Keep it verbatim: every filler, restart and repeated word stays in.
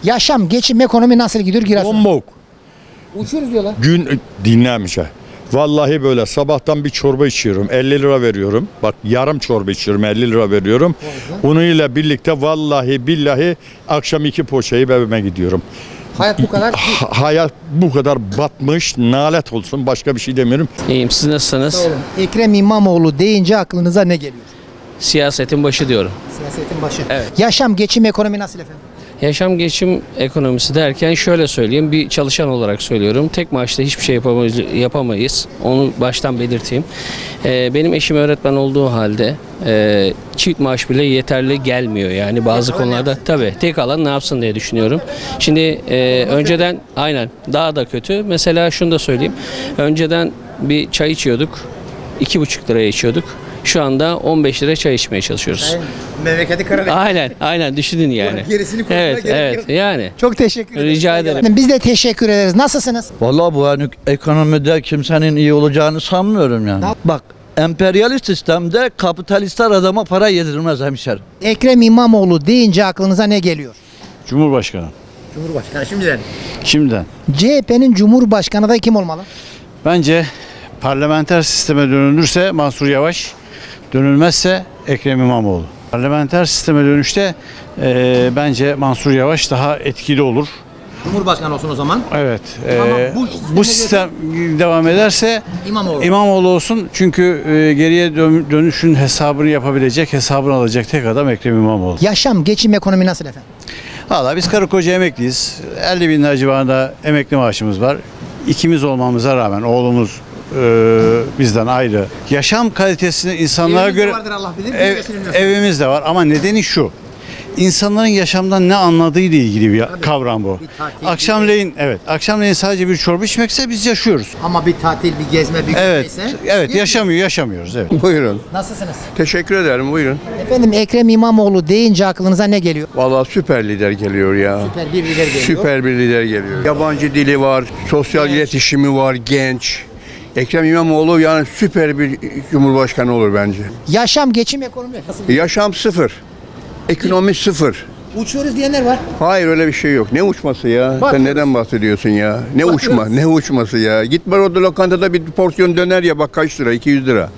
Yaşam, geçim, ekonomi nasıl gidiyor Giresun? Bombok. Uçuyoruz diyorlar. Gün dinlemiş ha. Vallahi böyle sabahtan bir çorba içiyorum. elli lira veriyorum. Bak yarım çorba içiyorum. elli lira veriyorum. Onunla birlikte vallahi billahi akşam iki poğaçayı evime gidiyorum. Hayat bu kadar. Ha- hayat bu kadar batmış. Nalet olsun. Başka bir şey demiyorum. İyiyim, siz nasılsınız? Ekrem İmamoğlu deyince aklınıza ne geliyor? Siyasetin başı diyorum. Siyasetin başı. Evet. Yaşam, geçim, ekonomi nasıl efendim? Yaşam geçim ekonomisi derken şöyle söyleyeyim, bir çalışan olarak söylüyorum. Tek maaşla hiçbir şey yapamayız. yapamayız. Onu baştan belirteyim. Ee, benim eşim öğretmen olduğu halde e, çift maaş bile yeterli gelmiyor. Yani bazı konularda tabii tek alan ne yapsın diye düşünüyorum. Şimdi e, önceden aynen daha da kötü. Mesela şunu da söyleyeyim. Önceden bir çay içiyorduk. iki buçuk liraya içiyorduk. Şu anda on beş lira çay içmeye çalışıyoruz. Memleketi Karadeniz. Aynen, aynen düşünün yani. Gerisini konuşmaya Evet, gerek evet. yok. Yani. Çok teşekkür ederim. Rica ederim. Biz de teşekkür ederiz. Nasılsınız? Vallahi bu hani ekonomide kimsenin iyi olacağını sanmıyorum yani. Ne- Bak, emperyalist sistemde kapitalistler adama para yedirmez hemşerim. Ekrem İmamoğlu deyince aklınıza ne geliyor? Cumhurbaşkanı. Cumhurbaşkanı şimdiden. Şimdiden. C H P'nin Cumhurbaşkanı da kim olmalı? Bence parlamenter sisteme dönülürse Mansur Yavaş, dönülmezse Ekrem İmamoğlu. Parlamenter sisteme dönüşte eee, bence Mansur Yavaş daha etkili olur. Cumhurbaşkanı olsun o zaman. Evet. Ama eee, bu sisteme bu sistem devam ederse İmamoğlu. İmamoğlu olsun. Çünkü eee, geriye dön- dönüşün hesabını yapabilecek, hesabını alacak tek adam Ekrem İmamoğlu. Yaşam, geçim, ekonomi nasıl efendim? Valla biz karı koca emekliyiz. elli bin lira civarında emekli maaşımız var. İkimiz olmamıza rağmen oğlumuz e, bizden ayrı. Yaşam kalitesini insanlara Evimiz de göre vardır Allah bilir, biz Ev- geçinemiyoruz. evimiz de var ama nedeni şu. İnsanların yaşamdan ne anladığı ile ilgili bir kavram bu. bir tatil, Akşamleyin evet, akşamleyin sadece bir çorba içmekse biz yaşıyoruz. Ama bir tatil, bir gezme, bir Evet. neyse. Evet, yaşamıyor, yaşamıyoruz evet. Buyurun. Nasılsınız? Teşekkür ederim. Buyurun. Efendim Ekrem İmamoğlu deyince aklınıza ne geliyor? Vallahi süper lider geliyor ya. Süper bir lider geliyor. Süper bir lider geliyor. Yabancı dili var, sosyal iletişimi var, genç. Ekrem İmamoğlu yani süper bir cumhurbaşkanı olur bence. Yaşam, geçim, ekonomi nasıl? Yaşam sıfır. Ekonomi sıfır. Uçuyoruz diyenler var. Hayır öyle bir şey yok. Ne uçması ya? Bakıyoruz. Sen neden bahsediyorsun ya? Ne uçma? Ne uçması ya? Git var orada lokantada bir porsiyon döner ya bak kaç lira? iki yüz lira.